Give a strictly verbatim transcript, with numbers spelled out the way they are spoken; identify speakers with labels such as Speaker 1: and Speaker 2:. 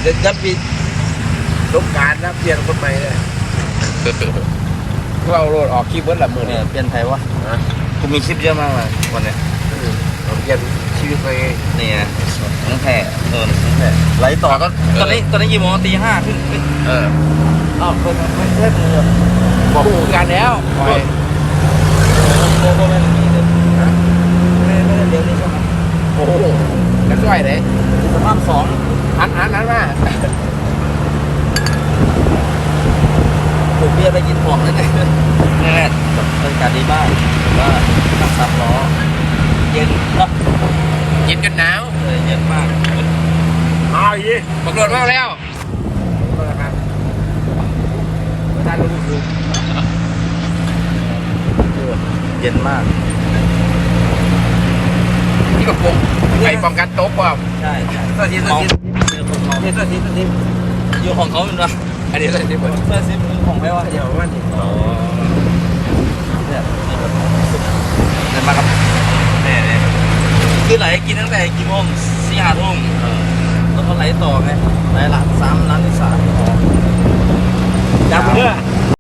Speaker 1: จะจะปีสงกรารนะเปลี่ยนคนใหม่เลยก็เอาโรดออกคลิปเบิ้ลละมือ
Speaker 2: เนี่
Speaker 1: เนี่ย ย
Speaker 2: เปลี่ยนไทยวะกูมีคลิปเยอะมากเลยวันเนี้ย
Speaker 1: เราเปลี่ยนชีวิตไป
Speaker 2: นี่ไงทั้งแผ่เออทั้งแผ่ไลฟ์ต่อก็ตอนนี้ตอนนี้กี่โมงตีห้าขึ้นขึ้น
Speaker 1: เออ
Speaker 2: อ้าวเคยไม่ใช่มือ
Speaker 1: บอกคู่กันแล้วปล่อย
Speaker 2: โมโมไม่มีเลยไม่ไม่ได้เดี๋ยวนี้ใช่ไหม
Speaker 1: โอ้โหกันด้วยเลย
Speaker 2: สภาพสอง
Speaker 1: อันอันนั้นมา
Speaker 2: ผมเบียร์ไปกินของนั่นเองนี่แหละบรรยากาศดีมากว่านั่งสามล้อเย็นเนาะ
Speaker 1: กินกันหนาว
Speaker 2: เออเย็นมาก
Speaker 1: เอาอีกบังรถมาแล้วครับท่านรู้สึก
Speaker 2: เย็นมาก
Speaker 1: นี่ก็ปงไอ้ป้องกันโต๊ะป่ะ
Speaker 2: ใช่ใช่
Speaker 1: เสื้อที
Speaker 2: เมา
Speaker 1: เสื้อที
Speaker 2: เจอคนเมา
Speaker 1: เสื้อทีเสื้อที
Speaker 2: อยู่ของเขาเป็นวะ
Speaker 1: อันนี้เสื้อทีเปิด
Speaker 2: เสื้อซิปคือของไม่ว่า
Speaker 1: เดี๋ยวว่านี่
Speaker 2: อ๋อเนี่ยเดินมาครับเนี่ยเนี่ยคือไหลกินตั้งแต่กี่โมงสี่ห้าทุ่มแล้วก็ไหลต่อไงไหลหลังสามร้านที่สามอ๋อ
Speaker 1: จำเพื่อ